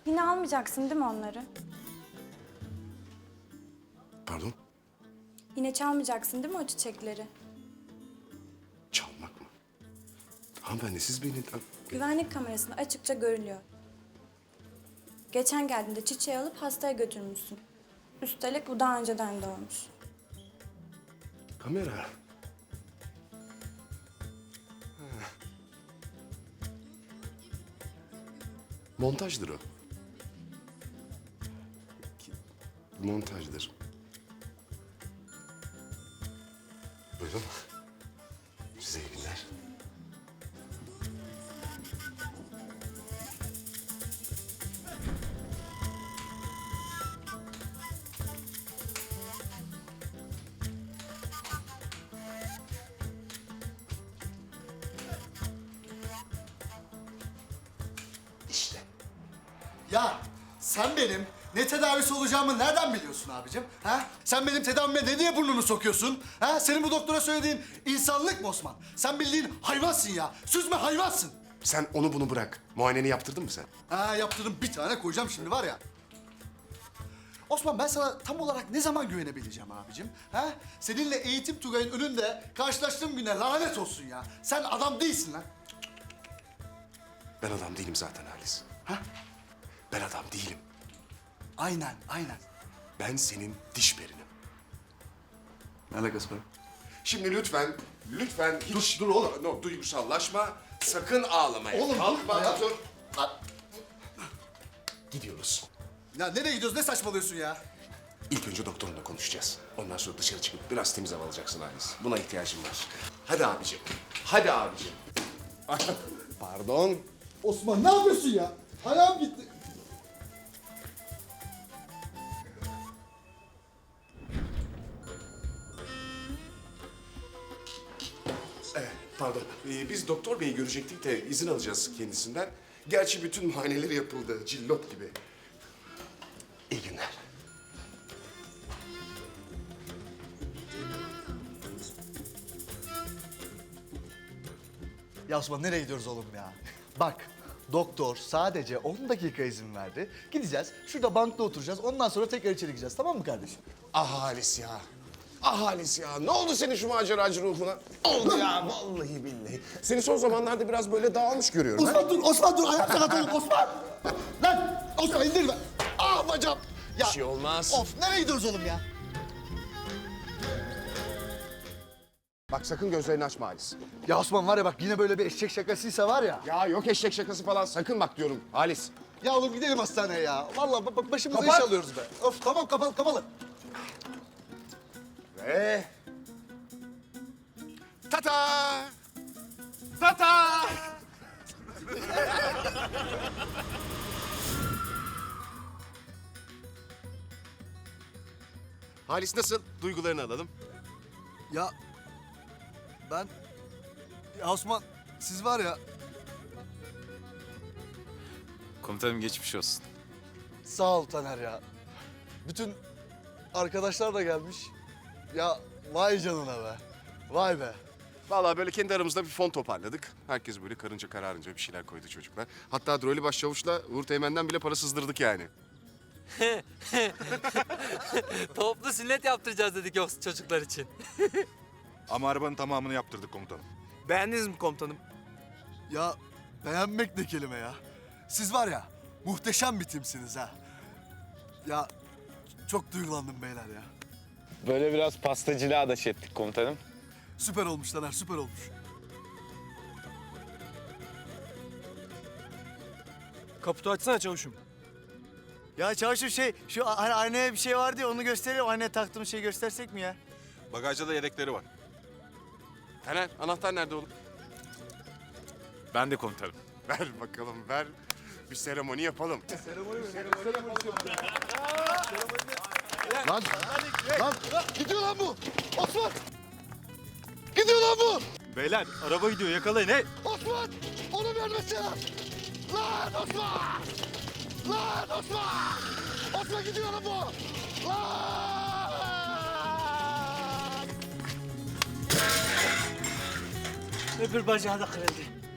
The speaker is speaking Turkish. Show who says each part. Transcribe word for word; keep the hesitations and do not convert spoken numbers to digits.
Speaker 1: Yine almayacaksın değil mi onları?
Speaker 2: Pardon?
Speaker 1: Yine çalmayacaksın değil mi o çiçekleri?
Speaker 2: Çalmak mı? Hanımefendi siz beni...
Speaker 1: Güvenlik kamerasında açıkça görülüyor. Geçen geldiğinde çiçeği alıp hastaya götürmüşsün. Üstelik bu daha önceden de olmuş.
Speaker 2: Kamera. Ha. Montajdır o. Ki- Montajdır. Buyurun. Size iyi günler.
Speaker 3: İşte. Ya sen benim ne tedavisi olacağımı nereden biliyorsun abicim? Ha? Sen benim tedavime ne diye burnunu sokuyorsun? Ha? Senin bu doktora söylediğin insanlık mı Osman? Sen bildiğin hayvansın ya. Süzme hayvansın.
Speaker 2: Sen onu bunu bırak. Muayeneni yaptırdın mı sen?
Speaker 3: Ha yaptırdım, bir tane koyacağım şimdi var ya. Osman ben sana tam olarak ne zaman güvenebileceğim abicim? Ha? Seninle eğitim Tugay'ın önünde karşılaştığım güne lanet olsun ya. Sen adam değilsin lan.
Speaker 2: Ben adam değilim zaten Halis.
Speaker 3: Ha?
Speaker 2: Ben adam değilim.
Speaker 3: Aynen, aynen.
Speaker 2: Ben senin diş perinim.
Speaker 3: Ne alakası var?
Speaker 2: Şimdi lütfen, lütfen hiç... Dur, dur oğlum. No, duygusallaşma. Sakın ağlamaya
Speaker 3: Oğlum,
Speaker 2: kalkma.
Speaker 3: dur ya.
Speaker 2: Dur.
Speaker 3: Lan,
Speaker 2: Gidiyoruz.
Speaker 3: ya nereye gidiyoruz? Ne saçmalıyorsun ya?
Speaker 2: İlk önce doktorunla konuşacağız. Ondan sonra dışarı çıkıp biraz temiz hava alacaksın Halis. Buna ihtiyacım var. Hadi abicim. Hadi abicim. Pardon.
Speaker 3: Osman ne yapıyorsun ya? Ayağım gitti.
Speaker 2: Evet, pardon. Ee, biz doktor beyi görecektik de izin alacağız kendisinden. Gerçi bütün muayeneleri yapıldı. Cillot gibi. İyi günler.
Speaker 3: Ya Osman nereye gidiyoruz oğlum ya? Bak doktor sadece on dakika izin verdi. Gideceğiz şurada bankta oturacağız ondan sonra tekrar içeri gireceğiz tamam mı kardeşim?
Speaker 2: Ah Halis ya. Ah Halis ya. Ne oldu senin şu maceracı ruhuna? Oldu ya vallahi billahi. Seni son zamanlarda biraz böyle dağılmış görüyorum. ha?
Speaker 3: Osman dur Osman dur ayakta katalım Osman. Lan Osman indirme. Ah bacağım. Ya,
Speaker 2: Bir şey olmaz.
Speaker 3: Of nereye gidiyoruz oğlum ya?
Speaker 2: Bak sakın gözlerini açma Halis.
Speaker 3: Ya Osman var ya bak yine böyle bir eşek şakasıysa var ya.
Speaker 2: Ya yok eşek şakası falan sakın bak diyorum Halis.
Speaker 3: Ya oğlum gidelim hastaneye ya. Vallahi bak, bak başımıza
Speaker 2: Kapat.
Speaker 3: iş alıyoruz be. Of tamam kapalı kapalı.
Speaker 2: Ve... Tata! Tata! Halis nasıl? Duygularını alalım.
Speaker 3: Ya ben... Ya Osman siz var ya
Speaker 4: Komutanım geçmiş olsun.
Speaker 3: sağ ol Taner ya. Bütün arkadaşlar da gelmiş. Ya vay canına be. Vay be.
Speaker 2: Vallahi böyle kendi aramızda bir fon toparladık. Herkes böyle karınca kararınca bir şeyler koydu çocuklar. Hatta Droli Başçavuş'la Uğur Teğmen'den bile para sızdırdık yani.
Speaker 5: Toplu sünnet yaptıracağız dedik o çocuklar için.
Speaker 6: Ama arabanın tamamını yaptırdık komutanım.
Speaker 5: Beğendiniz mi komutanım?
Speaker 3: Ya beğenmek ne kelime ya. Siz var ya muhteşem bir timsiniz ha. Ya çok duygulandım beyler ya.
Speaker 4: Böyle biraz pastacılığa da şey ettik komutanım.
Speaker 3: Süper olmuş Taner süper olmuş.
Speaker 5: Kaputu açsana çavuşum.
Speaker 7: Ya çavuşum şey, şu hani aynaya bir şey vardı ya onu gösterelim. Aynaya taktığımız şeyi göstersek mi ya?
Speaker 6: Bagajda da yedekleri var.
Speaker 2: Taner anahtar nerede oğlum?
Speaker 4: Ben de komutanım.
Speaker 2: Ver bakalım ver. Bir seremoni yapalım.
Speaker 3: Lan, lan gidiyor lan bu. Osman. Gidiyor lan bu.
Speaker 6: Beyler araba gidiyor yakalayın hey.
Speaker 3: Osman. Onu vermesene. Lan Osman. Lan Osman. Osman gidiyor lan bu. Lan.
Speaker 7: Öbür bacağı da kırıldı.